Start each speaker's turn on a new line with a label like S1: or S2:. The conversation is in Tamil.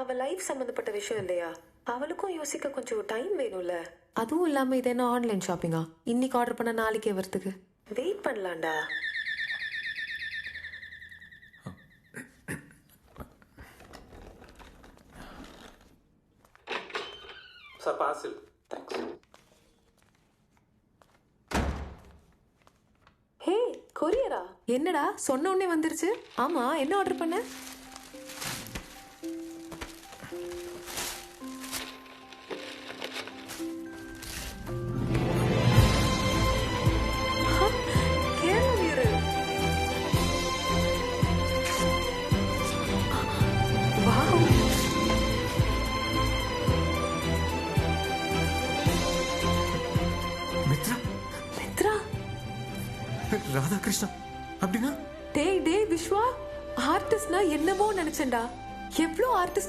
S1: அவ லைஃப் சம்பந்தப்பட்ட விஷயம் இல்லையா? அவளுக்கும் யோசிக்க கொஞ்சம் டைம் வேணும்ல. அதுவும் இல்லாம இது என்ன ஆன்லைன் ஷாப்பிங்கா? இன்னைக்கு ஆர்டர் பண்ண நாளைக்கே வரதுக்கு வெயிட் பண்ணலாம்டா.
S2: Sir parcel.
S3: தேங்க்ஸ்.
S1: ஹே கொரியரா? என்னடா சொன்ன உடனே வந்துருச்சு. ஆமா என்ன ஆர்டர் பண்ண? கேளு. வாவ்.
S2: மித்ரா.
S1: மித்ரா.
S2: ராதாகிருஷ்ணா அப்படின்னா?
S1: டேய் விஸ்வா, ஆர்டிஸ்ட்னா என்னவோ நினைச்சேன்டா. எவ்வளோ ஆர்டிஸ்ட்